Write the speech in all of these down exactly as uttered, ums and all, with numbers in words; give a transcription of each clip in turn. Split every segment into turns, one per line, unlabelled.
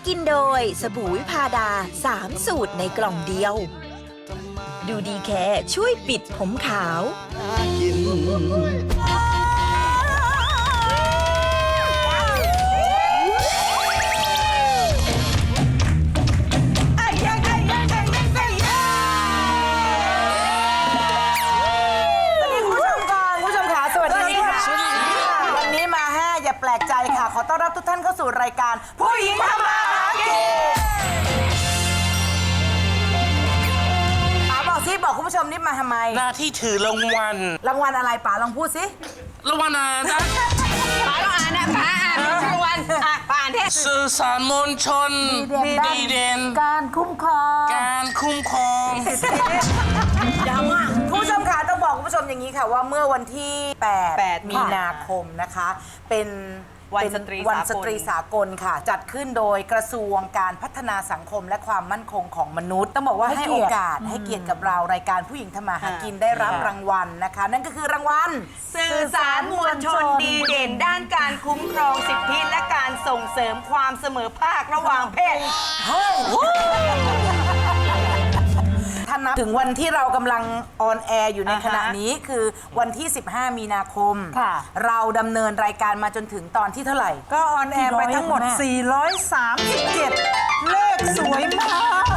กินโดยสบู่วิพาดาสามสูตรในกล่องเดียวดูดีแค่ช่วยปิดผมขาว
แปลกใจค่ะขอต้อนรับทุกท่านเข้าสู่รายการผู้หญิงทำมาหากินป๋าบอกซิบอกคุณผู้ชมนี่มาทำไม
หน้าที่ถือรางวัล
รางวัลอะไรป๋าลองพูดสิ
รางวัลอะไรนะ
ป๋าลองอ่านนะป๋าอ่านรางวัลอ่ะป๋าอ่านเทศ
สื่อสารมวลชนดีเด่น
การคุ้มครอง
การคุ้มครอง
ยาวมากคุณผู้ชมค่ะต้องบอกคุณผู้ชมอย่างนี้ค่ะว่าเมื่อวันที่แปดมีนาคมนะคะเป็น
วันสตรี
วันสตรีสากลค่ะจัดขึ้นโดยกระทรวงการพัฒนาสังคมและความมั่นคงของมนุษย์ต้องบอกว่าให้โอกาสให้เกียรติกับเรารายการผู้หญิงทำมาหากินได้รับรางวัลนะคะนั่นก็คือรางวัล
สื่อสารมวลชนดีเด่นด้านการคุ้มครองสิทธิและการส่งเสริมความเสมอภาคระหว่างเพศ
ท่านนับถึงวันที่เรากำลังออนแอร์อยู่ในขณะนี้คือวันที่สิบห้ามีนาคมเราดำเนินรายการมาจนถึงตอนที่เท่าไหร่
ก็ออนแอร์ไปทั้งหมดสี่ร้อยสามสิบเจ็ดเลขสวยมาก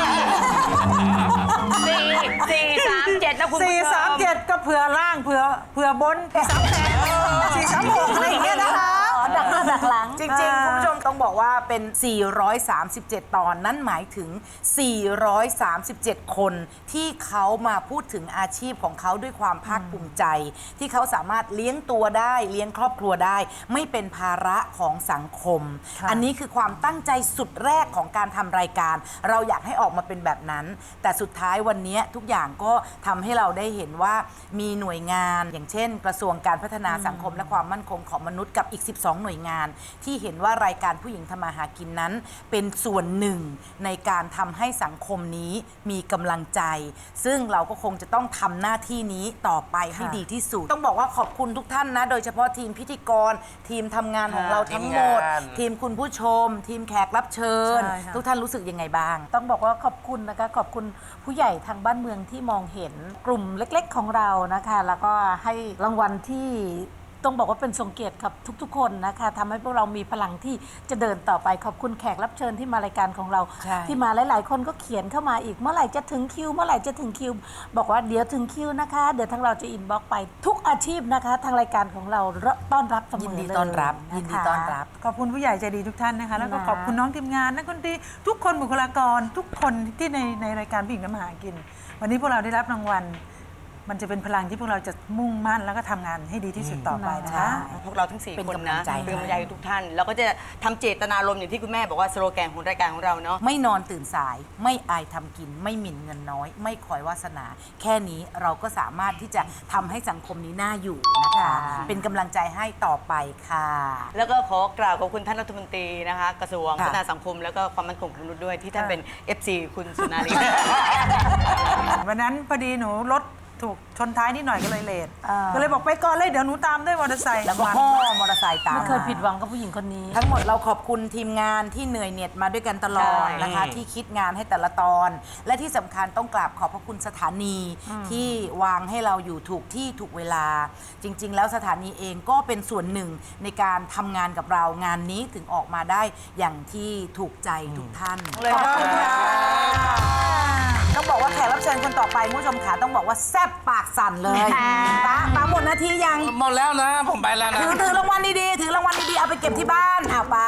สี่สี่สามเจ็ดนะคุณผู้ชม
สี่สามเจ็ดก็เผื่อล่างเผื่อเผื่อบนสามแปดสี่สามหกอะไรอย่างเงี้ยนะคะ
ดักหน้าดักหลังจริงๆคุณผู้ชมต้องบอกว่าเป็นสี่ร้อยสามสิบเจ็ดตอนนั่นหมายถึงสี่ร้อยสามสิบเจ็ดคนที่เขามาพูดถึงอาชีพของเขาด้วยความภาคภูมิใจที่เขาสามารถเลี้ยงตัวได้เลี้ยงครอบครัวได้ไม่เป็นภาระของสังคมอันนี้คือความตั้งใจสุดแรกของการทำรายการเราอยากให้ออกมาเป็นแบบนั้นแต่สุดท้ายวันนี้ทุกอย่างก็ทำให้เราได้เห็นว่ามีหน่วยงานอย่างเช่นกระทรวงการพัฒนาสังคมและความมั่นคงของมนุษย์กับอีกสิบสองหน่วยงานที่เห็นว่ารายการผู้หญิงทำมาหากินนั้นเป็นส่วนหนึ่งในการทำให้สังคมนี้มีกำลังใจซึ่งเราก็คงจะต้องทำหน้าที่นี้ต่อไปให้ดีที่สุดต้องบอกว่าขอบคุณทุกท่านนะโดยเฉพาะทีมพิธีกรทีมทำงานของเราทั้งหมดทีมคุณผู้ชมทีมแขกรับเชิญทุกท่านรู้สึกยังไงบ้าง
ต้องบอกว่าขอบคุณนะคะขอบคุณผู้ใหญ่ทางบ้านเมืองที่มองเห็นกลุ่มเล็กๆของเรานะคะแล้วก็ให้รางวัลที่ต้องบอกว่าเป็นทรงเกียรติกับทุกๆคนนะคะทำให้พวกเรามีพลังที่จะเดินต่อไปขอบคุณแขกรับเชิญที่มารายการของเราที่มาหลายๆคนก็เขียนเข้ามาอีกเมื่อไหร่จะถึงคิวเมื่อไหร่จะถึงคิวบอกว่าเดี๋ยวถึงคิวนะคะเดี๋ยวทางเราจะอินบ็อกซ์ไปทุกอาชีพนะคะทางรายการของเราต้อนรับเสมอเลยยินดี
ต้อนรับยินดีต้อนรับ
ขอบคุณผู้ใหญ่ใจดีทุกท่านนะคะแล้วก็ขอบคุณน้องทีมงานนักดนตรีทุกคนบุคลากรทุกคนที่ในในรายการผู้หญิงทำมาหากินวันนี้พวกเราได้รับรางวัลมันจะเป็นพลังที่พวกเราจะมุ่งมั่นแล้วก็ทำงานให้ดีที่สุดต่อไปนะคะ
พวกเราทั้งสี่คนนะเป็นกำลังใจทุกท่านแล้วก็จะทำเจตนารมณ์อย่างที่คุณแม่บอกว่าสโลแกนของรายการของเราเนาะ
ไม่นอนตื่นสายไม่อายทำกินไม่หมิ่นเงินน้อยไม่คอยวาสนาแค่นี้เราก็สามารถที่จะทำให้สังคมนี้น่าอยู่นะคะเป็นกำลังใจให้ต่อไปค่ะ
แล้วก็ขอกล่าวขอบคุณท่านรัฐมนตรีนะคะกระทรวงพัฒนาสังคมแล้วก็ความมั่นคงของมนุษย์ด้วยที่ท่านเป็น เอฟ ซี คุณสุนารี
วันนั้นพอดีหนูรถถูกชนท้ายนิดหน่อยก็เลยเลทก็เลยบอกไปก่อนเลยเดี๋ยวหนูตามด้วยมอเตอร์ไซค์
แล้วก็พ่อมอเตอร์ไซค์ตาม
ไม่เคยผิดหวังกับผู้หญิงคนนี้
ทั้งหมดเราขอบคุณทีมงานที่เหนื่อยเหน็ดมาด้วยกันตลอดนะคะที่คิดงานให้แต่ละตอนและที่สำคัญต้องกราบขอบพระคุณสถานีที่วางให้เราอยู่ถูกที่ถูกเวลาจริงๆแล้วสถานีเองก็เป็นส่วนหนึ่งในการทำงานกับเรางานนี้ถึงออกมาได้อย่างที่ถูกใจทุกท่านขอบคุณค่ะต้องบอกว่าแขกรับเชิญคนต่อไปผู้ชมขาต้องบอกว่าแซ่บปากสั่นเลยตาตาหมดนาทียัง
หมดแล้วนะผมไปแล้วนะ
ถือถือรางวัลดีๆถือรางวัลดีๆเอาไปเก็บที่บ้านเอาไป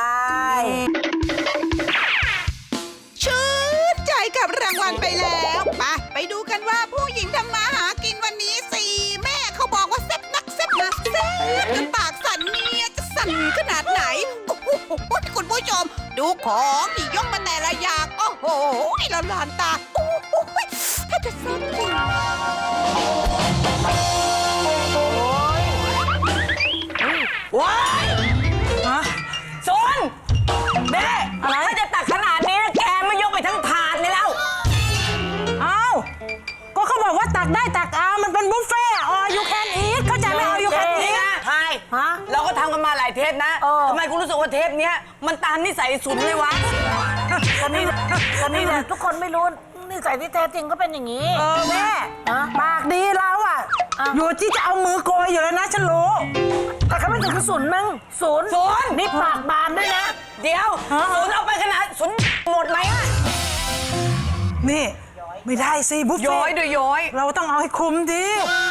ชื่นใจกับรางวัลไปแล้วไปไปดูกันว่าผู้หญิงทำมาหากินวันนี้สี่แม่เขาบอกว่าแซ่บนักแซ่บนักแซ่บจนปากสั่นเนี่ยจะสั่นขนาดไหนโอ้โหคุณผู้ชมดูของที่ยกมาแต่ละอย่างโอ้โหละลานตาโอ้โหถ้าจะแซ่บจริง
ว้ายโซนแม่อะไรถ้าจะตักขนาดนี้แกไม่ยกไปทั้งถาดเลยแล้ว
อ้าวก็เขาบอกว่าตักได้ตักเอามันเป็นบุฟเฟ่ออ you can eat เข้าใจไหม all you can eat
ใช่เราก็ทำกันมาหลายเทปนะทำไมคุณรู้สึกว่าเทปนี้มันตามนิสัยสุนเลยวะ
ก็นี่ก็นี่แหละทุกคนไม่รู้นิสัยที่แท้จริงก็เป็นอย่างนี้
เออแม่
ฮะ
ปากดีแล้วอ่ะ
อ่ะ
อยู่ที่จะเอามือโกยอยู่แล้วนะฉันรู้
แต่เขาไม่ถึงศูนย์มั้งศูนย์
ศูนย์
นี่ปากบานด้วยนะ
เดี๋ยวสุนเอาไปขนาดสุนหมดไหมอะ
นี่ไม่ได้สิบุฟ
ย้
เฟ่
อยด้วยย้อย
เราต้องเอาให้คุ้มดิ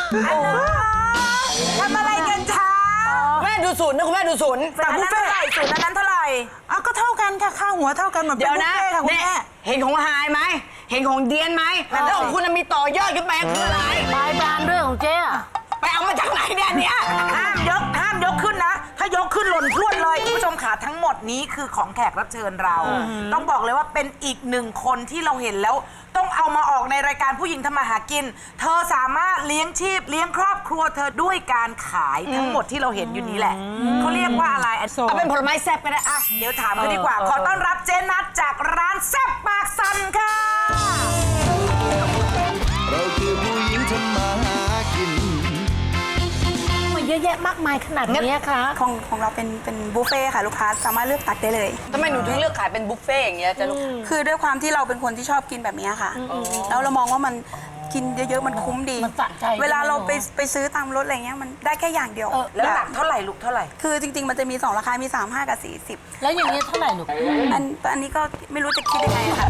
ทำอะไรกันคะ
แม่ดูศูนย์นะคุณแม่ดูศูนย์
แต่บุฟเฟ่ต์สูตรนั้นเท่าไหร่อ่ะก็เท่ากันค่ะค่าหัวเท่ากันเหมือนเป็
เดี๋
น
ยว
บุฟ
นะ
เฟ่ต์ค่ะคุณ
เนี่ย
แม่
เห็นของหายไหมเห็นของเดียนไหมแล้วของคุณมีต่อยอดขึ้นไปคืออะไร
ปลายบานด้วยของเจ๊อะ
ไปเอามาจากไหนเนี่ยอันเนี่ย
ห้ามยกห้ามยกขึ้นนะ ถ้ายกขึ้นหล่นพรวดเลยคุณผู้ชมค่ะทั้งหมดนี้คือของแขกรับเชิญเรา ต้องบอกเลยว่าเป็นอีกหนึ่งคนที่เราเห็นแล้ว ต้องเอามาออกในรายการผู้หญิงทำมาหากิน เธอสามารถเลี้ยงชีพเลี้ยงครอบครัวเธอด้วยการขายทั้งหมดที่เราเห็นอยู่นี้แหละเขาเรียกว่าอะไร
เอาเป็นผลไม้แซ่บก็ได้
อ่ะเดี๋ยวถามเขาดีกว่า ขอต้อนรับเจนัทจากร้านแซ่บปากสันค่ะ
เราคือผู้หญิงทำมาหากิน
มันเยอะแยะมากมายขนาดนี้คะ
ของของเราเป็นเป็นบุฟเฟ่ต์ค่ะลูกค้าสามารถเลือกตักได้เลย
ทำไมหนูถึงเลือกขายเป็นบุฟเฟ่ต์อย่างเงี้ยจะลูก
คือด้วยความที่เราเป็นคนที่ชอบกินแบบนี้ค่ะ แล้วเรามองว่ามันกินเยอะๆมันคุ้มดี
มันสะใจ
เวลาเราไป
ใช่ไหม
ไปซื้อตามรถอะไรเงี้ยมันได้แค่อย่างเดียว
แล้วหนักเท่าไหร่ลูกเท่าไหร่
คือจริง ๆ มันจะมีสองราคา มี สามสิบห้า กับ สี่สิบ
แล้วอย่างนี้เท่าไหร่หนู
อันอันนี้ก็ไม่รู้จะคิดยังไงค่ะ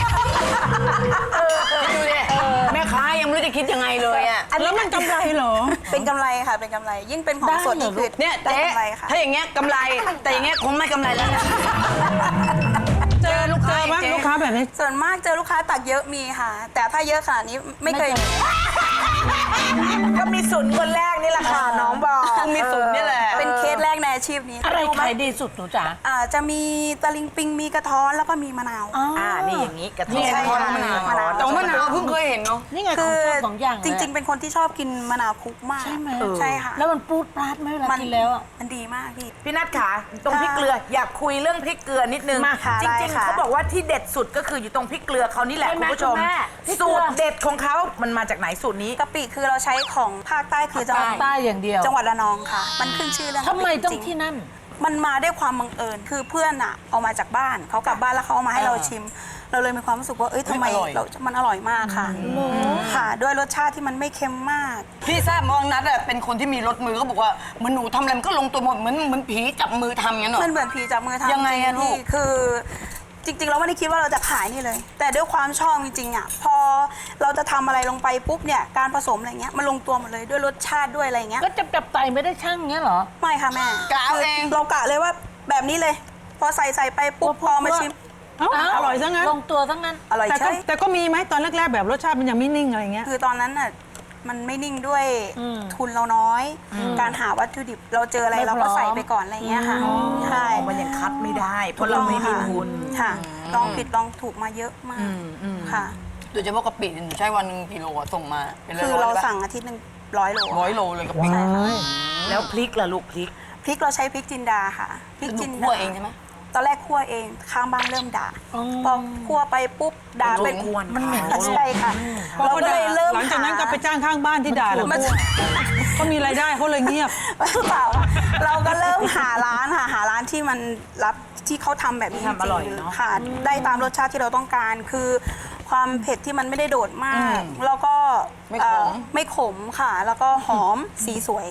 ดูดิแม่ค้ายังไม่รู้จะคิดยังไงเลยอ่ะ
แล้วมันกำไรเหรอ
เป็นกำไรค่ะ เป็นกำไร ยิ่งเป็นของสดนี่คือ
เนี่ย
ได้
เจ๊
กำไรค่ะ
ถ้าอย่างเงี้ยกำไรแต่อย่างเงี้ยคงไม่กำไรแล้วนะเจอลูกค้าบ้างลูกค้าแบบนี้
ส่วนมากเจอลูกค้าตักเยอะมีค่ะ แต่ถ้าเยอะขนาดนี้ไม่เคยมี
ก็มีศูนย์คนแรกนี่แหละค่ะน้องบอก
มีศูนย์นี่แหละ
เป็นเคสแรกในอาชีพนี้
อะไรขายดีสุดหนูจ๋า
อ่าจะมีตะลิงปิงมีกระท้อนแล้วก็มีมะนาว
อ่านี่อย่างนี้กระท้
นี่
อน
ใช่ค่ะ
มะนาว
มะนาว
แต่ว่ามะนาวเพิ่งเคยเห็นเนาะ
นี่ไงข
คื
อง
อ
ชอบของอย่างเลย
จริง ๆ เป็นคนที่ชอบกินมะนาวคลุกมาก
ใช่ไหม
ใช่ค่ะ
แล้วมันปูดปราดไหมเวลากินแล้วอะ
มันดีมากพี่
พี่นัทขาตรงพริกเกลืออยากคุยเรื่องพริกเกลือนิดนึง
มาค่ะ
จ
ได้
ริงๆ
ค่ะ
เขาบอกว่าที่เด็ดสุดก็คืออยู่ตรงพริกเกลือเขานี่แหละ
ใช่
คุ
ไหม
ณผู้ชม
คุณแม่พริกเกลื
สู
อ
ตรเด็ดของเขามันมาจากไหนสูตรนี้
กะปิคือเราใช้ของภาคใต้คือจังหวัด
ใต้อย่างเดียว
จังหวัดระนองค่ะ มันขึ้นชื่อเรื่อง
ทำไมต้อง
จริๆ
ที่นั่น
มันมาด้วยความบังเอิญคือเพื่อนอะเอามาจากบ้านเขากลับบ้านแล้วเขาเอามาให้เราชิม เราเลยมีความรู้สึกว่าเอ้ยทำไม
อร่อย
เรามันอร่อยมากค่ะค่ะ ด้วยรสชาติที่มันไม่เค็มมาก
พี่ทราบมองนัดอะเป็นคนที่มีรถมือเขาบอกว่าเหมือนหนูทำอะไรมันก็ลงตัวหมดเหมือนเหมือนผีจับมือทำงั้นเหรอ
มันเหมือนผีจับมือทำ
ยังไงอะ
จริๆ
ลูก
พี่คือจริง ๆ เราไม่ได้คิดว่าเราจะขายนี่เลย แต่ด้วยความชอบจริงๆอะพอเราจะทำอะไรลงไปปุ๊บเนี่ยการผสมอะไรเงี้ยมันลงตัวหมดเลยด้วยรสชาติด้วยอะไรเงี้ย
ก็จับจับไตไม่ได้ช่างเงี้ยเหรอ
ไม่ค่ะแม่
กะเอาเอง
เรากะเลยว่าแบบนี้เลย พอใส่ใส่ไปปุ๊บพอมาชิม
เอ้า
อร่อยซะงั้น
ลงตัวทั้งนั้น
อร่อย
แต่ก็
ใช่
แต่ก็มีไหมตอนแรกๆแบบรสชาติมันยังไม่นิ่งอะไรเงี้ย
คือตอนนั้นน่ะมันไม่นิ่งด้วย
อืม
ทุนเราน้อย การหาวัตถุดิบเราเจออะไร
ไม่
เราก็
พร้อม
ใส่ไปก่อนอะไรเงี้ยค่ะใช่
มันยังคัดไม่ได้เพราะเราไม่มีทุน
ค่ะลองผิดลองถูกมาเยอะมากค่ะ
โดยเฉพาะกะปิหนูใช้วันหนึ่งกิโลอะส่งมาเป็นร้
คือ
อยๆ
เรา
ลยปะ
สั่งอาทิตย์หนึ่งร้อยโล
ร้อยโลเลยกะปิ
ใช่ค่ะ
แล้วพริกล่ะลูกพริก
พริกเราใช้พริกจินดาค่ะพริก
หนู
จิน
คั่
ดาว
เองใช่ไหม
ตอนแรกคั่วเองข้างบ้านเริ่มด่าพอคั่วไปปุ๊บด่าเป็น
กวน
มันเหม็น
เขา
ใช่ค่ะ
พอ
เรา
เขา
ก็
ด่า
เลยเริ่ม
หลังจากนั้นก็ไปจ้างข้างบ้านที่ด่าแล้ว
มัน
เขามีรายได้เขาเลยเงียบ
เปล่าเราก็เริ่มหาร้านค่ะหาร้านที่มันรับที่เขาทำแบบนี้จ
ทำอร่อย
ริง
เนอะ
ๆค่ะ ได้ตามรสชาติที่เราต้องการ คือความเผ็ดที่มันไม่ได้โดดมาก แล้วก็
ไม่ขม
เอ่อไม่ขมค่ะ แล้วก็หอมสีสวย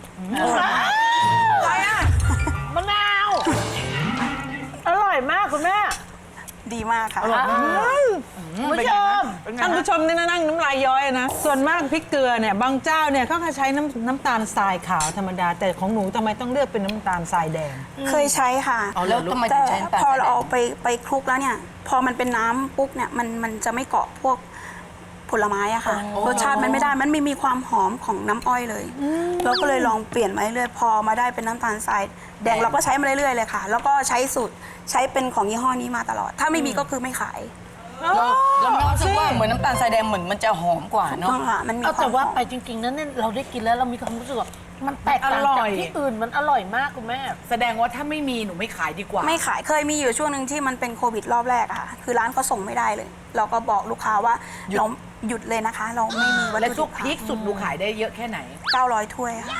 อะไรอ่ะมะนาว อร่อยมากคุณแม่
ดีมากค่ะ
คุณผู้ชม
ท่านผู้ชมนี่นะนั่งน้ำลายย้อยนะ ส่วนมากพริกเกลือเนี่ยบางเจ้าเนี่ยเขาก็ใช้น้ำน้ำตาลทรายขาวธรรมดา แต่ของหนูทำไมต้องเลือกเป็นน้ำตาลทรายแดง
เคยใช้ค่ะ
แล้วทำไมถึ
แต่
งใช้น้ำตาล
พอ
ทราย
เรา
แดง
เอาไปไปคลุกแล้วเนี่ย พอมันเป็นน้ำปุ๊บเนี่ยมันมันจะไม่เกาะพวกผลไม้อะค่ะ รสชาติมันไม่ได้ มันไม่มีความหอมของน้ำอ้อยเลย เราก็เลยลองเปลี่ยนมาเรื่อยๆพอมาได้เป็นน้ำตาลทรายแดงเราก็ใช้มาเรื่อยๆเลยค่ะ แล้วก็ใช้สูตรใช้เป็นของยี่ห้อนี้มาตลอด ถ้าไม่มีก็คือไม่ขาย
แล้วแล้วน้องรู้สึกว่าเหมือนน้ำตาลทรายแดงเหมือนมันจะหอมกว่าเนาะ
ต้องค่ะมันมี
เอา
ควา
แต่
มห
ว่า
อม
ไปจริงๆนั้นเนี่ยเราได้กินแล้วเรามีความรู้สึกว่ามันแตกต่าง
อร่
จาก
อย
ที่อื่นมันอร่อยมากคุณแม่
แสดงว่าถ้าไม่มีหนูไม่ขายดีกว่า
ไม่ขายเคยมีอยู่ช่วงหนึ่งที่มันเป็นโควิดรอบแรกอะค่ะ คือร้านเขาส่งไม่ได้เลย เราก็บอกลูกค้าว่าเราหยุดเลยนะคะ เราไม่มีวัต
และ
ถุ
ทุ
ดิ
ก
บ
พริกสุดหนูขายได้เยอะแค่ไหน
เก้าร้อยถ้วยค่ะ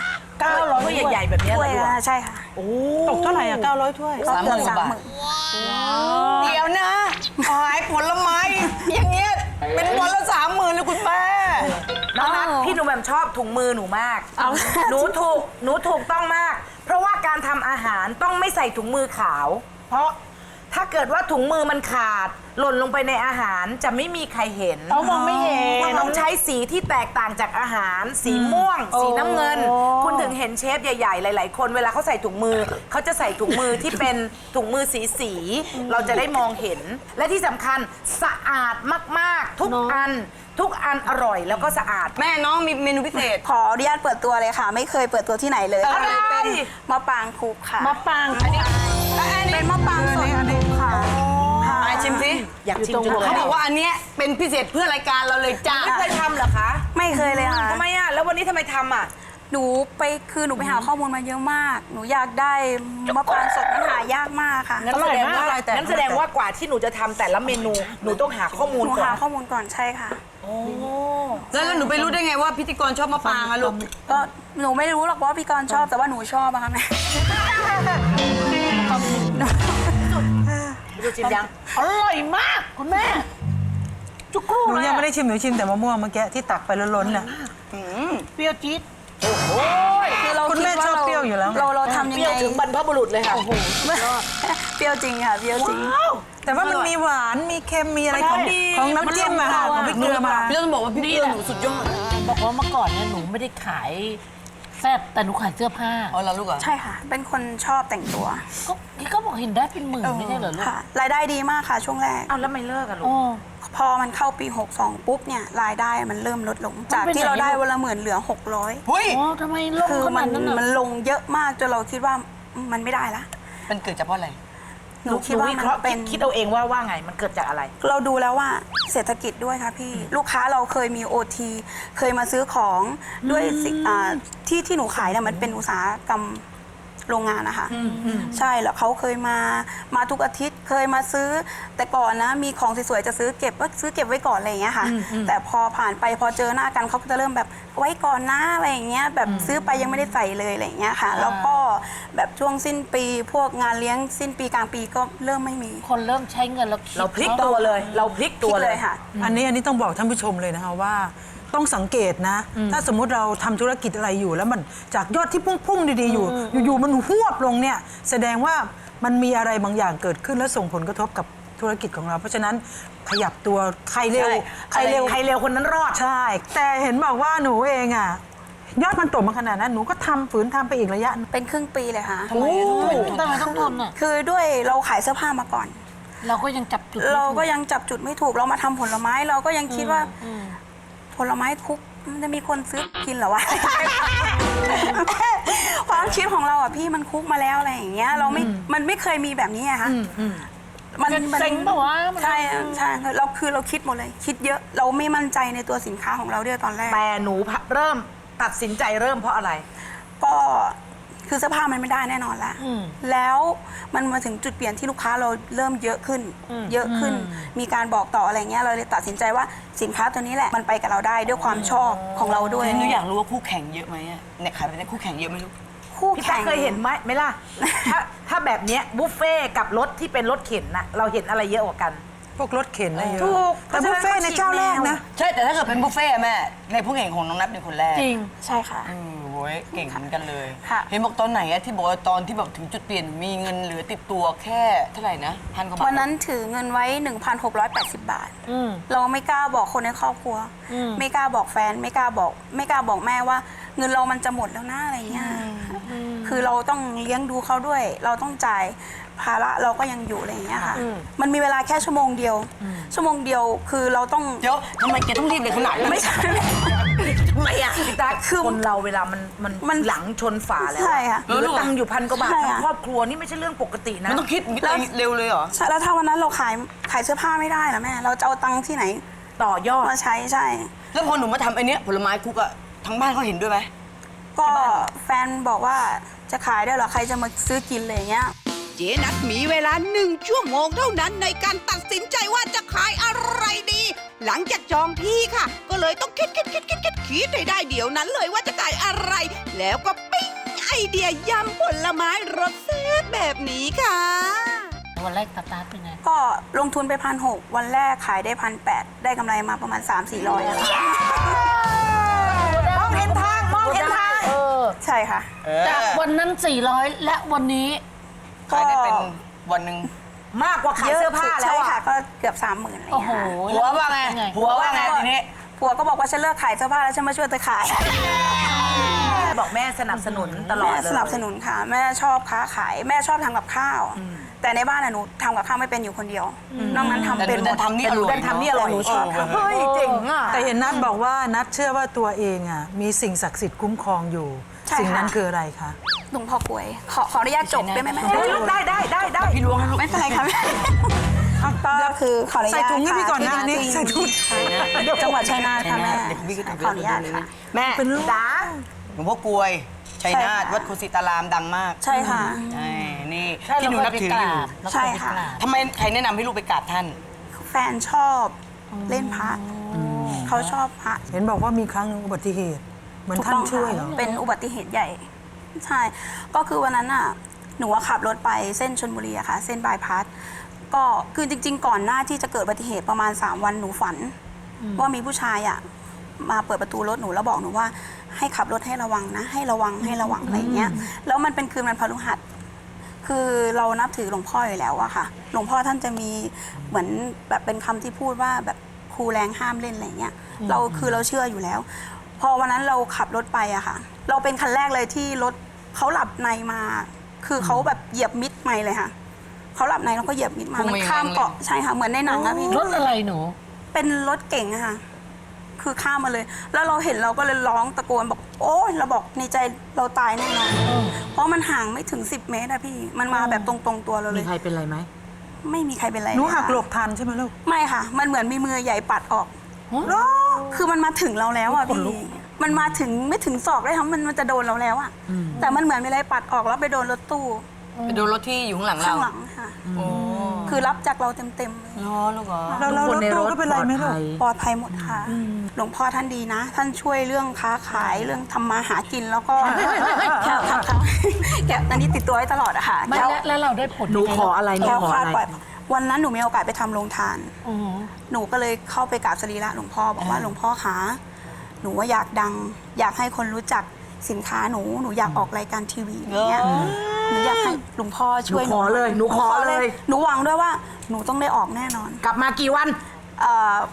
เก้าร้อยถ้วยใหญ่ๆแบบเนี้ย
ถ้
เหร
ว
อย ลูก
ละใช่ค่ะ
ตกเท่าไหร่อ่ะ900ถ้วย
ก็เกือบสามหมื่น
เดี๋ยวนะขายผลไม้ อย่างเงี้ยเป็นวันละสามหมื่นเลยคุณแม่
น้องนัทพี่หนูแหม่มชอบถุงมือหนูมาก หนูถูกหนูถูกต้องมาก เพราะว่าการทำอาหารต้องไม่ใส่ถุงมือขาว เพราะถ้าเกิดว่าถุงมือมันขาด หล่นลงไปในอาหารจะไม่มีใครเห็น
เขามองไม่เห็น
ต้องใช้สีที่แตกต่างจากอาหาร สีม่วง สีน้ำเงิน คุณถึงเห็นเชฟใหญ่ ๆ หลาย ๆ คนเวลาเขาใส่ถุงมือ เขาจะใส่ถุงมือที่เป็นถุงมือสีสีๆเราจะได้มองเห็น และที่สำคัญสะอาดมาก ๆ ทุกอัน ทุกอันอร่อยแล้วก็สะอาด
แม่น้องมีเมนูพิเศษ
ขออนุญาตเปิดตัวเลยค่ะ ไม่เคยเปิดตัวที่ไหนเลย
อะไร
เป็นมะปรางคุกค่ะ
มะปราง
อันนี้เป็นมะปรางสดคุกค่ะ
ไปชิมสิ
อยากชิมจังเลย
เขาบอกว่าอันเนี้ยเป็นพิเศษเพื่อรายการเราเลยจ้า
ไม่เคยทำเหรอคะ
ไม่เคยเลยค่ะ
ทำไมอ่ะแล้ววันนี้ทำไมทำอ่ะ
หนูไปคือหนูไปหาข้อมูลมาเยอะมาก หนูอยากได้มะปรางสดมันหายากมากค่ะ
งั้นแสดงว่างั้นแสดงว่ากว่าที่หนูจะทำแต่ละเมนู หนูต้องหาข้อมู
ห
ล
นู
ก่อ
หาน ข้อมูลก่อนใช่ค่ะ
แล้วแล้วหนูไปรู้ได้ไงว่าพิธีกรชอบมะปรางอะลูก
ก็หนูไม่รู้หรอกว่าพี่กรณ์ชอบแต่ว่าหนูชอบอะค่ะแม่
ดูชิมยัง
อร่อยมากคุณแม่ จุกรู
หนู
เลย
ยัง
อะ
ไม่ได้ชิมหนูชิมแต่มะม่วงเมื่อกี้ที่ตักไปล้นๆน่ะ
เปรี้ยวจี๊ด
คือเรา
คุณแม่
ดว่า
ชอบเปรี้ยวอยู่แล้ว
เราเราทำยัง
เปรี้ย
ไง
วถึงบรรพบุรุษเลยค่ะ
เปรี้ยวจริงค่ะเปรี้ยวจริง
แต่ว่ามันมีหวานมีเค็มมีอะไรของของน้ำจิ้มอะค่ะของพริกเกลือมา
พี่ต้องบอกว่าพี่เกลือหนูสุดยอด
บอกว่าเมื่อก่อนเนี่ยหนูไม่ได้ขายแซ่บแต่หนูขายเสื้อผ้า
อ๋อเหรอลูกเหรอ
ใช่ค่ะ เป็นคนชอบแต่งตัว
ก็พี่ก็บอกเห็นได้เป็นหมื่นไม่ใช่เหรอลูก
ค่ะ รายได้ดีมากค่ะช่วงแรก
เอาแล้วไม่เลิกอะลูก
โอ้
พอมันเข้าปี หกสอง ปุ๊บเนี่ยรายได้มันเริ่มลดลง จาก
มันเป็น
ที่เราได้
ไหนลูก
วันละหมื่นเหลือ หกร้อย
เฮ้ย
โอ้ทำไมลง
คือ
ข
มั
นาด
น
นั้น
มัน
น่ะ
ลงเยอะมากจนเราคิดว่ามันไม่ได้ละ
มันเกิดจากเพราะอะไร
หนูคิดว่า
วิ
มัน
เคราะห์
เป็น
คิดเอาเองว่าว่าไงมันเกิดจากอะไร
เราดูแล้วว่าเศรษฐกิจด้วยค่ะพี่ ลูกค้าเราเคยมี โอ ที เคยมาซื้อของด้วยสิอ่าที่ที่หนูขายเนี่ยมันเป็นอุตสาหกรรมโรงงานนะคะใช่แล้วเขาเคยมามาทุกอาทิตย์เคยมาซื้อ แต่ก่อนนะมีของสวยๆจะซื้อเก็บก็ซื้อเก็บไว้ก่อนอะไรอย่างเงี้ยค่ะ แต่พอผ่านไปพอเจอหน้ากันเขาก็จะเริ่มแบบไว้ก่อนนะอะไรอย่างเงี้ยแบบซื้อไปยังไม่ได้ใส่เลยอะไรอย่างเงี้ยค่ะ แล้วก็แบบช่วงสิ้นปีพวกงานเลี้ยงสิ้นปีกลางปีก็เริ่มไม่มี
คนเริ่มใช้เงินแล้วคิด
เราพลิกตัวเลย เราพลิกตัว
คิด
เล
เลย ยค่ะ
อันนี้อันนี้ต้องบอกท่านผู้ชมเลยนะคะว่าต้องสังเกตนะ ถ้าสมมุติเราทำธุรกิจอะไรอยู่ แล้วมันจากยอดที่พุ่งๆดีๆอยู่ อยู่ๆมันหวบลงเนี่ยแสดงว่ามันมีอะไรบางอย่างเกิดขึ้นและส่งผลกระทบกับธุรกิจของเรา เพราะฉะนั้นขยับตัวใครเร็ว
ใครเร็วใครเร็วคนนั้นรอด
ใช่ แต่เห็นบอกว่าหนูเองอ่ะยอดมันตกมาขนาดนั้นหนูก็ทำฝืนทำไปอีกระยะหนึ่ง
เป็นครึ่งปีเลยค่ะ
ทำไมต้องทนอ่ะ
คือด้วยเราขายเสื้อผ้ามาก่อน
เราก็ยังจับจุดไม่
เรา
ถู
ก็ยังจับจุดไม่ถูกเรามาทำผลไม้เราก็ยังคิดว่าผลไม้คุกมันจะมีคนซื้อกินเหรอวะ ความคิดของเราอ่ะพี่มันคุกมาแล้วอะไรอย่างเงี้ยเราไม่มันไม่เคยมีแบบนี้อะค่ะมันมัน
เซ็งปะวะมัน
ใช่ใช่เราคือเราคิดหมดเลย คิดเยอะเราไม่มั่นใจในตัวสินค้าของเราด้วยตอนแรก
แต่หนูเริ่มตัดสินใจเริ่มเพราะอะไร
ก็คือเสื้อผ้ามันไม่ได้แน่นอนละแล้วมันมาถึงจุดเปลี่ยนที่ลูกค้าเราเริ่มเยอะขึ้น เยอะขึ้น มีการบอกต่ออะไรเงี้ยเราเลยตัดสินใจว่าสินค้าตัวนี้แหละมันไปกับเราได้ด้วยความชอบของเราด้วย
หนูอยากรู้ว่าคู่แข่งเยอะไหมอะเนี่ยขายไปเนี่ยคู่แข่งเยอะไหมลูก
คู่
พี่
แข่
ตาง เคยเห็นไหมไหมล่ะ ถ้าถ้าแบบเนี้ยบุฟเฟ่กับรถที่เป็นรถเข็นน่ะเราเห็นอะไรเยอะกว่ากัน
พวกรถเข็นอะไรเยอะ
ถูก
แต่บุฟเฟ่ต์ในเจ้าแรกนะ
ใช่แต่ถ้าเกิดเป็นบุฟเฟ่ต์อะแม่ในผู้แข่งของน้องนัทเป็นคนแรก
จริง
ใช่ค่ะ
เออโว้ยเก่งเหมือนกันเลย
ค่ะ
เห็นบอกตอนไหนอะที่บอกว่าตอนที่แบบถึงจุดเปลี่ยนมีเงินเหลือติดตัวแค่เท่าไหร่นะพันกว่าบาท
วันนั้นถือเงินไว้ หนึ่งพันหกร้อยแปดสิบ บาท
อืม
เราไม่กล้าบอกคนในครอบครัว ไม่กล้าบอกแฟน ไม่กล้าบอก ไม่กล้าบอกแม่ว่า เงินเรามันจะหมดแล้วนะอะไรเงี้ยคือเราต้องเลี้ยงดูเขาด้วย เราต้องจ่ายภาระเราก็ยังอยู่อะไรอย่างเงี้ยค่ะ มันมีเวลาแค่ชั่วโมงเดียว ชั่วโมงเดียวคือเราต้อง
เดี๋ยวทำไมแกต้องรีบเลยขนาดนั้น
ไม่ใช่
ทำไมอะ
พี่ตา
คือ
คนเราเวลามันมัน
มัน
หลังชนฝาแล้ว
ใช่ค่ะ
เหลือตังค์อยู่พันกว่าบาท
ใช่
ทั้ง
ค่ะ
ครอบครัวนี่ไม่ใช่เรื่องปกตินะ
มันต้องคิดเร็วเลยเหรอ
ใช่แล้วถ้าวันนั้นเราขายขายเสื้อผ้าไม่ได้ล่ะแม่ เราจะเอาตังค์ที่ไหน
ต่อยอด
มาใช้ใช่
แล้วพอหนูมาทำไอ้เนี้ยผลไม้คุกอะทั้งบ้านเขาเห็นด้วยไหม
ก็แฟนบอกว่าจะขายได้เหรอใครจะมาซื้อกินอะไรอย่างเงี้ย
เจ๊นัทมีเวลาหนึ่งชั่วโมงเท่านั้นในการตัดสินใจว่าจะขายอะไรดี หลังจากจองที่ค่ะ ก็เลยต้องคิดคิดคิดคิดคิดคิดให้ได้เดี๋ยวนั้นเลยว่าจะขายอะไร แล้วก็ปิ้งไอเดียยำผลไม้รสแซ่บแบบนี้ค่ะ
วันแรกสตาร์ทเป็นไง
ก็ลงทุนไปพันหกวันแรกขายได้พันแปดได้กำไรมาประมาณ สามสี่ร้อยอะค่ะ
มองเห็นทางมองเห็นทาง
เออ
ใช่ค่ะ
จากวันนั้น สี่ร้อย และวันนี้
ขายได้เป็นวันหนึ่งมากกว่าขายเสื้อผ้าแล้
ใช่
ว
ค่ะ
อะ
ก็เกือบสามหมื่นอะไรอย่าง
โอ้โห
เงี้ยค่ะ
ผัวว่าไงผัวว่าไงทีนี้
ผัวก็บอกว่าฉันเลิกขายเสื้อผ้าแล้วฉันมาช่วยเธอขาย
บอกแม่สนับสนุนตลอด
แม่
เลย
สนับสนุนค่ะ แม่ชอบค้าขายแม่ชอบทำกับข้าว แต่ในบ้านอะหนูทำกับข้าวไม่เป็นอยู่คนเดียวนอกนั้นทำ
แต่
เป็น
หนู
หมด
ทำนี่อร่อย
แต่ทำนี่อร่อย
หนูชอบค่ะ
เฮ้ยเจ๋งอ่ะ
แต่เห็นนัทบอกว่านัทเชื่อว่าตัวเองอ่ะมีสิ่งศักดิ์สิทธิ์คุ้มครองอยู่
ใช่ค่ะ
สิ่งนั้นคืออะไรคะ
หลวงพ่อกลวยขอขออนุญาตจบได้ไหมแม่
ได้ได้ได้ได้
พี่ล้วงให้ลูก
ไม่เป็นไรค่ะแม่ก็คือขออนุญาต
ใส่ถุงให้พี่ก่อนนะ
ค่ะ
นี่
ที่
ใส่ถุง
จังหวัดชัยนาทค่ะแม่
เดี๋ยวพี่ก็
ขออนุญาตค่ะ
แม่
เป็นลูก
จ้า
หลวงพ่อกลวยชัยนาท
ใช่ค่ะ
วัดคุสิตารามดังมาก
ใช่ค่ะ
ใช่นี่
ใช่
ที่หนูนับถืออยู่
ใช่ค่ะ
ทำไมใครแนะนำให้ลูกไปกราบท่าน
แฟนชอบเล่นพระเขาชอบพระ
เห็นบอกว่ามีครั้งหนึ่งอุบัติเหตุ เหมือน
ถูก
ท่าน
ต้อง
ช่วย
ค่ะ
เหรอ
เป็นอุบัติเหตุใหญ่ ใช่ ก็คือวันนั้นอ่ะ หนูว่าขับรถไปเส้นชลบุรีอะค่ะ เส้นบายพาส ก็คือจริง ๆ ก่อนหน้าที่จะเกิดอุบัติเหตุประมาณ สาม วันหนูฝัน ว่ามีผู้ชายอ่ะมาเปิดประตูรถหนูแล้วบอกหนูว่าให้ขับรถให้ระวังนะ ให้ระวังให้ระวังอะไรอย่างเงี้ย แล้วมันเป็นคืนวันพฤหัส คือเรานับถือหลวงพ่ออยู่แล้วอะค่ะ หลวงพ่อท่านจะมีเหมือนแบบเป็นคำที่พูดว่าแบบครูแรงห้ามเล่นอะไรเงี้ย เราคือเราเชื่ออยู่แล้ว พอวันนั้นเราขับรถไปอะค่ะ เราเป็นคันแรกเลยที่รถเขาหลับในมา คือเขาแบบเหยียบมิดไม่เลยค่ะ เขาหลับในแล้วก็เหยียบมิดมา
พุ่ง
มัน
มาอย่างนั้น
ข้ามเกาะใช่ค่ะ เหมือนในหนังอะพี่
รถอะไรหนู
เป็นรถเก๋งอะค่ะ คือข้ามมาเลย แล้วเราเห็นเราก็เลยร้องตะโกนบอก โอ้ยเราบอกในใจเราตายแน่นอน เพราะมันห่างไม่ถึงสิบเมตรอะพี่ มันมาแบบตรงๆตัวเราเล
มี
ย
ใครเป็นไรไหม
ไม่มีใครเป็นไร
หนู
เลย
หัก
ค่ะ
หลบทันใช่ไหมลูก
ไม่ค่ะ มันเหมือนมีมือใหญ่ปัดออก คือมันมาถึงเราแล้วอะพี่ มันมาถึงไม่ถึงศอกเลยค่ะมันมันจะโดนเราแล้วอะแต่มันเหมือนมีอะไรปัดออกแล้วไปโดนรถตู้
ไปดูรถที่อยู่ข้างหลังเรา
ข้างหลังค่ะ
โอ้
คือรับจากเราเต็มๆเลย
ล้อลูกเหรอ
แล้วแล้วรถตู้ก็เป็นไรไหมลูก
ปลอดภัยหมดค่ะ หลวงพ่อท่านดีนะ ท่านช่วยเรื่องค้าขายเรื่องทำมาหากินแล้วก็แค่ค่ะแกอันนี้ติดตัวไว้ตลอดอะค่ะ
ไม่
แค่
แล้วแล้วเราได้ผล
หนูขออะไรหนู
แค่
ขอ
คลา
อะ
ด
ไร
ปล่อยวันนั้นหนูมีโอกาสไปทำโรงทาน
อือหือ
หนูก็เลยเข้าไปกราบสรีระหลวงพ่อบอกว่าหลวงพ่อคะหนูว่าอยากดัง อยากให้คนรู้จักสินค้าหนูหนูอยากออกรายการทีวีอย่างเงี้ยหนูอยากให้หลวงพ่อช่วย
หนูขอเลยหนูขอเลย
หนูหวังด้วยว่าหนูต้องได้ออกแน่นอน
กลับมากี่วัน
เอ่อน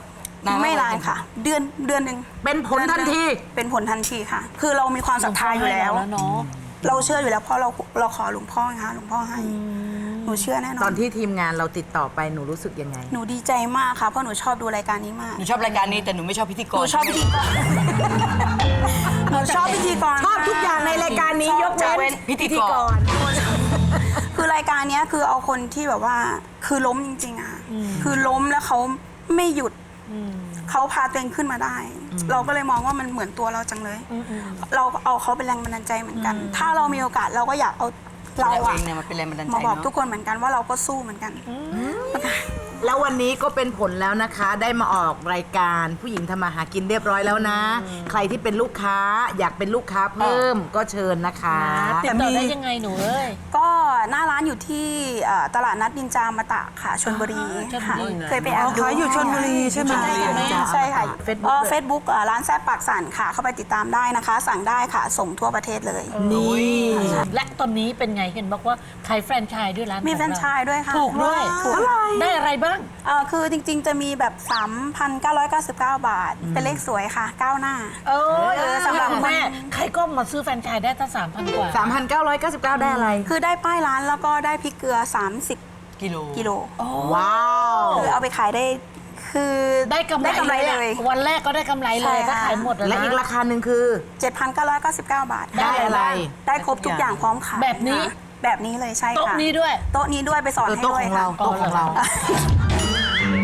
านไหม
ไม่นานค่ะ เดือนเดือนหนึ่ง
เป็นผลทันที
เป็นผลทันทีค่ะ คือเรามีความศรัทธาอยู่แล้ว
แล้วเนาะ
เราเชื่ออยู่แล้วเพราะเราเราขอหลวงพ่อไงคะหลวงพ่อให้หนูเชื่อแน่นอน
ตอนที่ทีมงานเราติดต่อไปหนูรู้สึกยังไง
หนูดีใจมากค่ะเพราะหนูชอบดูรายการนี้มาก
หนูชอบรายการนี้แต่หนูไม่ชอบพิธีก
หนู
ร
ชอบพิธีกร หนูชอบพิธีกร
ชอบทุกอย่างในรายการนี้
ชอบ
ยกเว้น
พิธีกร
คือรายการเนี้ยคือเอาคนที่แบบว่าคือล้มจริงๆอะคือล้มแล้วเขาไม่หยุดเขาพาตัวเองขึ้นมาได้ เราก็เลยมองว่ามันเหมือนตัวเราจังเลย เราเอาเขาเป็นแรงบันดาลใจเหมือนกัน ถ้าเรามีโอกาสเราก็อยากเอาเรา
เราเอ
อะ
งเนี่ยมันเป็นแรงบันดาลใจ
มาบอก
เนาะ
ทุกคนเหมือนกันว่าเราก็สู้เหมือนกัน
แล้ววันนี้ก็เป็นผลแล้วนะคะ ได้มาออกรายการผู้หญิงทำมาหากินเรียบร้อยแล้วนะ ใครที่เป็นลูกค้าอยากเป็นลูกค้าเพิ่มก็เชิญนะคะ
ติดต่อได้ยังไงหนูเอ้ย
ก็หน้าร้านอยู่ที่เอ่อตลาดนัดนินจามาตะค่ะชลบุรี
ชลบุ
ค่ะ
รี
เคยไปแอบดู
ขายอยู่ชลบุรีใช่ไหม
ใช่ค่ะ
ใช่
ใช่ค่ะ
Facebook
เฟซบุ๊กร้านแซ่บปากสั่นค่ะ เข้าไปติดตามได้นะคะ สั่งได้ค่ะ ส่งทั่วประเทศเลย
นี่
และตอนนี้เป็นไงเห็นบอกว่าขายแฟรนไชส์ด้วยร้าน
มี
ของ
แฟรนไชส์ด้วยค่ะ
ถูกด้วย
ถูก
ได้อะไรบ้าง
เอ่อคือจริงๆจะมีแบบ สามพันเก้าร้อยเก้าสิบเก้า บาท เป็นเลขสวยค่ะก้าวหน้า
เออ
เออสำหรับ
คุณแม่ ใครก็มาซื้อแฟรนไชส์ได้ตั้งสามพันกว่า
สามพันเก้าร้อยเก้าสิบเก้าได้อะไร
คือได้ป้ายร้านแล้วก็ได้พริกเกลือ สามสิบ
กิโล
กิโล
ว้าว
คือเอาไปขายได้คือ
ได้กำไร
ได้กำไร
เลย
เลย
อะวันแรกก็ได้กำไรเลย
ใช่
ถ้า
ค่ะ
ขายหมด
และ
นะ
อีกราคาหนึ่งคือ
เจ็ดพันเก้าร้อยเก้าสิบเก้า บาท
ได้อะไร
ได้ครบทุกอย่างพร้อมขาย
แบบนี้
ค่ะแบบนี้เลยใช่ค่ะ
โต๊ะนี้ด้วย
โต๊ะนี้ด้วยไปสอน
เออ
ให้
โต๊ะ
ด้วย
ของเรา
ค่ะ
โต๊ะของเรา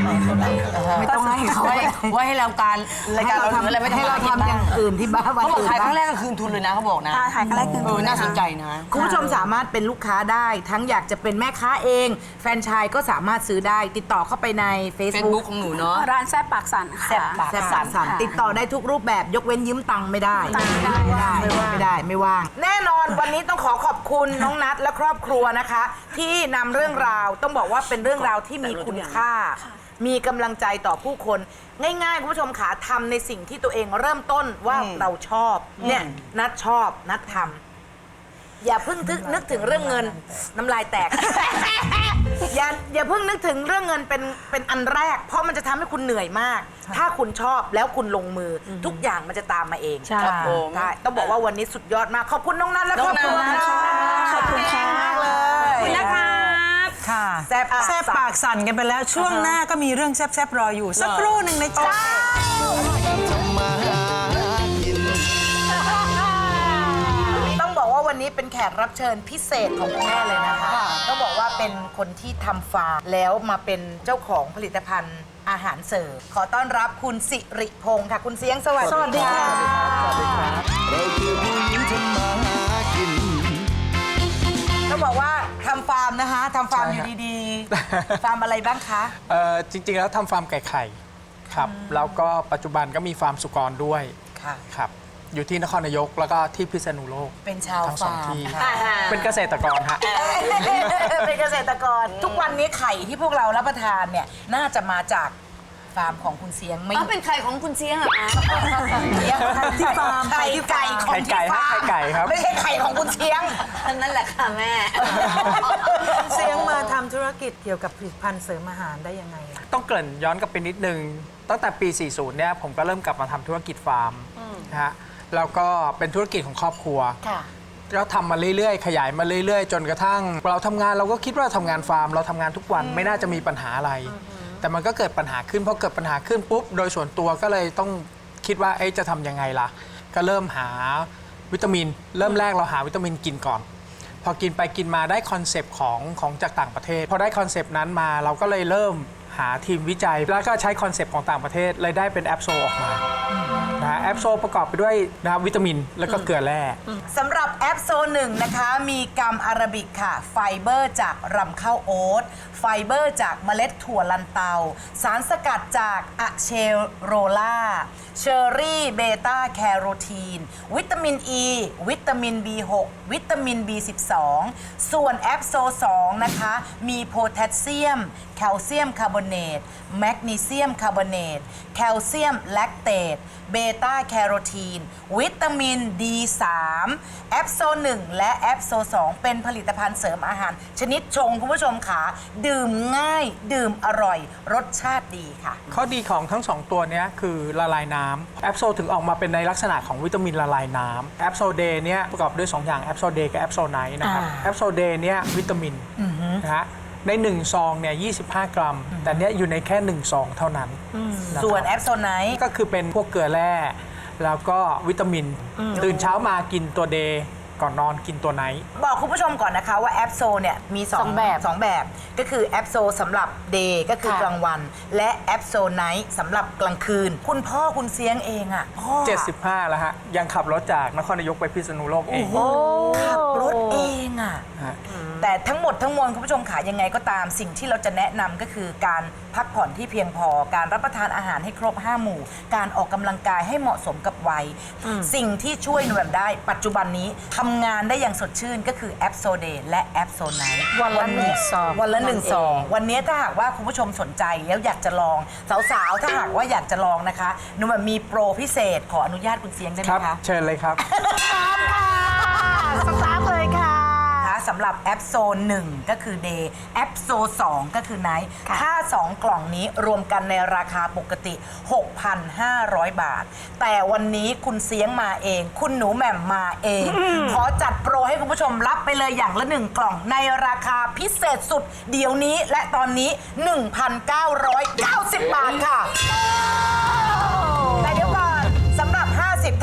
ไม่ต้องให้เขา
ไว้ไว้ให้เราการรายการเรา
ทำ
อะไรไม่
ให้เราทำอย่างอื่นที่บ้าน
เขาบอกถ่ายครั้งแรกก็คืนทุนเลยนะเขาบอกนะ
ถ้าถ่ายครั้งแรกคือ
เออน่าสนใจนะ
คุณผู้ชมสามารถเป็นลูกค้าได้ ทั้งอยากจะเป็นแม่ค้าเอง แฟรนไชส์ก็สามารถซื้อได้ ติดต่อเข้าไปใน
Facebook
Facebook
ของหนูเนาะ
ร้านแซ่บปากสันค่ะ
แซ่บปากสัน
ค่ะ
ติดต่อได้ทุกรูปแบบยกเว้นยืมตังค์ไม่ได้
ตังค์ไม่ได้
ไม่ได้ไม่ได้ไม่ว่าง แน่นอนวันนี้ต้องขอขอบคุณน้องนัทและครอบครัวนะคะ ที่นำเรื่องราวต้องบอกว่าเป็นเรื่องราวที่มีคุณค่า มีกำลังใจต่อผู้คนง่ายๆคุณผู้ชมขาทำในสิ่งที่ตัวเองเริ่มต้นว่าเราชอบเนี่ยนัทชอบนัททำอย่าเพิ่งนึกถึงเรื่องเงินน้ำลายแตก อย่าอย่าเพิ่งนึกถึงเรื่องเงินเป็นเป็นอันแรก เพราะมันจะทำให้คุณเหนื่อยมาก ถ้าคุณชอบแล้วคุณลงมืออทุกอย่างมันจะตามมาเอง
ใช่
ครับผมใช่ต้องบอกว่าวันนี้สุดยอดมากขอบคุณน้องนัทและครอบครัว
น้องนัท
ขอบคุณค่ะมากเลย
ขอบคุณนะคะ
ค่ะ
แซ่บปาก
แซ่บปากสั่นกันไปแล้วช่วงหน้าก็มีเรื่องแซ่บๆรออยู่ สักครู่หนึ่งนะจ๊ะ
ทำมาหากิน
ต้องบอกว่าวันนี้เป็นแขกรับเชิญพิเศษของคุณแม่เลยนะคะ ต้องบอกว่าเป็นคนที่ทำฟาร์มแล้วมาเป็นเจ้าของผลิตภัณฑ์อาหารเสริมขอต้อนรับคุณสิริพงศ์ค่ะ คุณเสียงสวัสดีค่ะ
เราคือผู้หญิงทำมาหากิน
ต้องบอกว่าทำฟาร์มนะคะทำฟาร์มอยู่ดีๆ ฟาร์มอะไรบ้างคะ
เอ่อจริงๆแล้วทำฟาร์มไก่ไข่ครับแล้วก็ปัจจุบันก็มีฟาร์มสุกรด้วย
ค่ะ
ครับอยู่ที่นครนายกแล้วก็ที่พิษณุโลก
เป็นชาว
ทั้งสอง
ฟาร์ม
ที่
ค่ะ
เป็นเกษตรกรฮะ
เป็นเกษตรกร ทุกวันนี้ไข่ที่พวกเรารับประทานเนี่ยน่าจะมาจากฟาร์มของคุณเสียงไม่
อ๋อเป็นไข่ของคุณเสียงเหรอคะ
ที่ฟาร์มไข่ไก่ของ
ไข่ไก่
ที่ฟาร์ม
ไข่ไก่ครับ
ไม่ใช่ไข่ของคุณเสียง
นั่นแหละค่ะแม่
เสียงมาทำธุรกิจเกี่ยวกับผลิตภัณฑ์เสริมอาหารได้ยังไงอะ
ต้องเกริ่นย้อนกลับไปนิดนึง ตั้งแต่ปี สี่สิบ เนี่ยผมก็เริ่มกลับมาทำธุรกิจฟาร์มนะฮะแล้วก็เป็นธุรกิจของครอบครัว
ค่ะ
ก็ทำมาเรื่อยๆ ขยายมาเรื่อยๆ จนกระทั่งเราทำงานเราก็คิดว่าทำงานฟาร์มเราทำงานทุกวันไม่น่าจะมีปัญหาอะไร แต่มันก็เกิดปัญหาขึ้นพอเกิดปัญหาขึ้นปุ๊บโดยส่วนตัวก็เลยต้องคิดว่าเอ๊ะจะทำยังไงล่ะ ก็เริ่มหาวิตามิน เริ่มแรกเราหาวิตามินกินก่อน พอกินไปกินมาได้คอนเซปต์ของของจากต่างประเทศ พอได้คอนเซปต์นั้นมาเราก็เลยเริ่มหาทีมวิจัย แล้วก็ใช้คอนเซปต์ของต่างประเทศเลยได้เป็นแอปโซออกมานะฮะแอปโซประกอบไปด้วยนะครับวิตามินแล้วก็เกลือแร่
สำหรับแอปโซหนึ่งนะคะ มีกัมอาราบิกค่ะ ไฟเบอร์จากรำข้าวโอ๊ตไฟเบอร์จากเมล็ดถั่วลันเตา สารสกัดจากอะเชโรล่าเชอร์รี่เบต้าแคโรทีน วิตามินอ e, ีวิตามิน บี หก วิตามิน บี สิบสอง ส่วนแอปโซสองนะคะ มีโพแทสเซียม แคลเซียมคาร์บอเนต แมกนีเซียมคาร์บอเนต แคลเซียมแลคเตต เบต้าแคโรทีน วิตามิน ดี สาม แอปโซหนึ่งและแอปโซสองเป็นผลิตภัณฑ์เสริมอาหาร ชนิดชงคุณผู้ชมขาดื่มง่าย ดื่มอร่อย รสชาติดีค่ะ
ข้อดีของทั้งสองตัวเนี้ยคือละลายน้ำแอปโซถึงออกมาเป็นในลักษณะของวิตามินละลายน้ำแอปโซเดย์เนี้ยประกอบด้วยสองอย่างแอปโซเดย์กับแอปโซไนท์นะครับแอปโซเดย์เนี้ยวิตามินนะฮะในหนึ่งซองเนี่ยยี่สิบห้ากรัม แต่เนี้ยอยู่ในแค่หนึ่งซองเท่านั้นนะครับ
ส่วนแอปโซไนท์
ก็คือเป็นพวกเกลือแร่แล้วก็วิตามิน ตื่นเช้ามากินตัวเดย์ก่อนนอนกินตัวไนท์
บอกคุณผู้ชมก่อนนะคะว่าแอปโซเนี่ยมีสอง
สองแบบ
สองแบบก็คือแอปโซสำหรับเดย์ก็คือ
ค่ะ
กลางวัน และแอปโซไนท์สำหรับกลางคืน คุณพ่อคุณเสียงเองอ่ะพ่อ
เจ็ดสิบห้าแล้วฮะยังขับรถจากนครนายกไปพิษณุโลกเอง
ขับรถเองอ่ะ
ฮะ
แต่ทั้งหมดทั้งมวลคุณผู้ชมขายังไงก็ตามสิ่งที่เราจะแนะนำก็คือการพักผ่อนที่เพียงพอ การรับประทานอาหารให้ครบห้าหมู่ การออกกำลังกายให้เหมาะสมกับวัย สิ่งที่ช่วยหนูแบบได้ปัจจุบันนี้ทำงานได้อย่างสดชื่นก็คือแอปโซเดย์และแอปโซไนท์
วันละหนึ่งซอง
วันละหนึ่ง
นั่นเอง
ซอง วันนี้ถ้าหากว่าคุณผู้ชมสนใจแล้วอยากจะลองสาวๆถ้าหากว่าอยากจะลองนะคะหนูแบบมีโปรพิเศษขออนุญาตคุณเสียงได้ไห
ค
ม
รับ
คะ
เชิญเลยครับ
สตาร์ทเลยค่ะ
สำหรับแอปโซหนึ่งก็คือ Day แอปโซสองก็คือ Night ถ้าสองกล่องนี้รวมกันในราคาปกติ หกพันห้าร้อย บาท แต่วันนี้คุณเสียงมาเอง คุณหนูแหม่มมาเอง ขอจัดโปรให้คุณผู้ชมรับไปเลยอย่างละหนึ่งกล่องในราคาพิเศษสุด เดี๋ยวนี้และตอนนี้ หนึ่งพันเก้าร้อยเก้าสิบ บาทค่ะ แต่เดี๋ยวก่อนสำหรับ ห้าสิบท่าน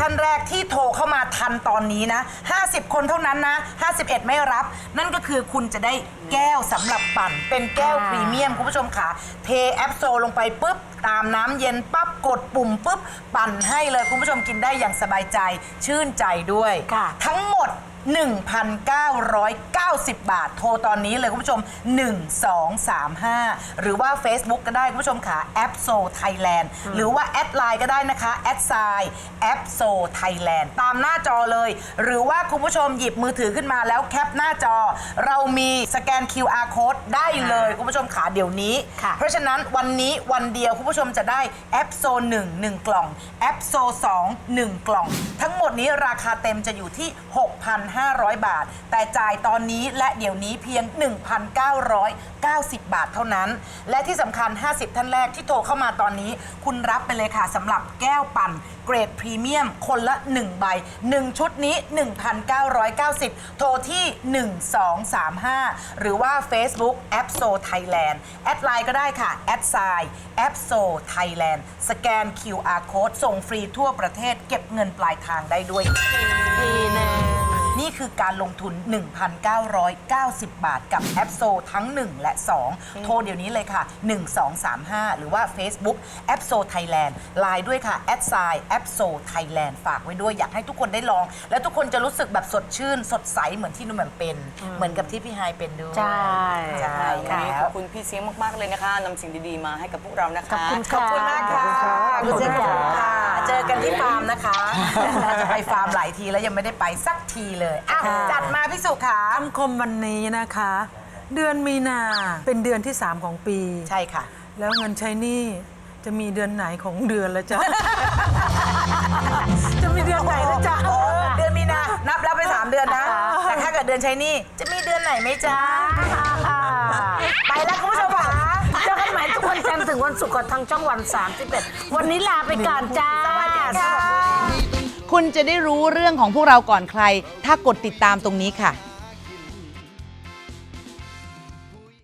ท่านแรกที่โทรเข้ามาทันตอนนี้นะห้าสิบคนเท่านั้นนะห้าสิบเอ็ดไม่รับ นั่นก็คือคุณจะได้แก้วสำหรับปั่นเป็นแก้วพรีเมียมคุณผู้ชมค่ะเทแอปโซลงไปปุ๊บตามน้ำเย็นปั๊บกดปุ่มปุ๊บปั่นให้เลยคุณผู้ชมกินได้อย่างสบายใจชื่นใจด้วย ทั้งหมด หนึ่งพันเก้าร้อยเก้าสิบ บาทโทรตอนนี้เลยคุณผู้ชมหนึ่ง สอง สาม ห้าหรือว่า Facebook ก็ได้คุณผู้ชมค่ะแอปโซไทยแลนด์หรือว่าแอดไลน์ก็ได้นะคะแอดไซน์แอปโซไทยแลนด์ตามหน้าจอเลย หรือว่าคุณผู้ชมหยิบมือถือขึ้นมาแล้วแคปหน้าจอ เรามีสแกน คิว อาร์ Code ได้เลยคุณผู้ชมขาเดี๋ยวนี้เพราะฉะนั้นวันนี้วันเดียวคุณผู้ชมจะได้แอปโซหนึ่ง หนึ่งกล่องแอปโซสอง หนึ่งกล่องทั้งหมดนี้ราคาเต็มจะอยู่ที่ หกพันห้าร้อย บาทแต่จ่ายตอนนี้และเดี๋ยวนี้เพียง หนึ่งพันเก้าร้อยเก้าสิบ บาทเท่านั้นและที่สำคัญห้าสิบท่านแรกที่โทรเข้ามาตอนนี้คุณรับไปเลยค่ะสำหรับแก้วปั่นเกรดพรีเมียมคนละหนึ่งใบหนึ่งชุดนี้ หนึ่งพันเก้าร้อยเก้าสิบ โทรที่หนึ่ง สอง สาม ห้าหรือว่า Facebook แอปโซไทยแลนด์แอดไลน์ก็ได้ค่ะแอดไซน์แอปโซไทยแลนด์สแกน คิว อาร์ Code ส่งฟรีทั่วประเทศเก็บเงินปลายทางได้ด้วยดีนะนี่คือการลงทุน หนึ่งพันเก้าร้อยเก้าสิบ บาทกับแอปโซทั้งหนึ่งและสองโทรเดี๋ยวนี้เลยค่ะหนึ่ง สอง สาม ห้าหรือว่า Facebook แอปโซไทยแลนด์ไลน์ด้วยค่ะแอดไซน์แอปโซไทยแลนด์ฝากไว้ด้วยอยากให้ทุกคนได้ลอง และทุกคนจะรู้สึกแบบสดชื่นสดใสเหมือนที่นุ่มแหม่มเป็นเหมือนกับที่พี่ไฮเป็นด้วย
ใช่
ใช่
วันนี้
แล้
ข
ว
อบคุณพี่เสียงมาก ๆ เลยนะคะนำสิ่งดีๆมาให้กับพวกเรานะคะ
ขอบคุณขอบคุณมากค่ะขอบคุณค่ะเจอกันที่ฟาร์มนะคะจะไปฟาร์มหลายทีแล้วยังไม่ได้ไปสักทีเลยอ่ะจัดมาพี่สุขา
คำคมวันนี้นะคะ เดือนมีนาเป็นเดือนที่ สาม ของปี
ใช่ค่ะ
แล้วเงินใช้หนี้จะมีเดือนไหนของเดือนละจ๊ะ จะมีเดือนไหนละจ๊ะ
โอ้เดือนมีนานับแล้วไปสามเดือนนะ แต่ถ้าเกิดเดือนใช้หนี่จะมีเดือนไหนไหมจ๊ะ ไปแล้วคุณผู้ชมค่ะ
เจอกันใหม่ทุกวันจันทร์ถึงวันศุกร์กับทางช่องวันสามสิบเอ็ดวันนี้ลาไปก่อนจ้า
สวัสดีค่ะ
คุณจะได้รู้เรื่องของพวกเราก่อนใคร ถ้ากดติดตามตรงนี้ค่ะ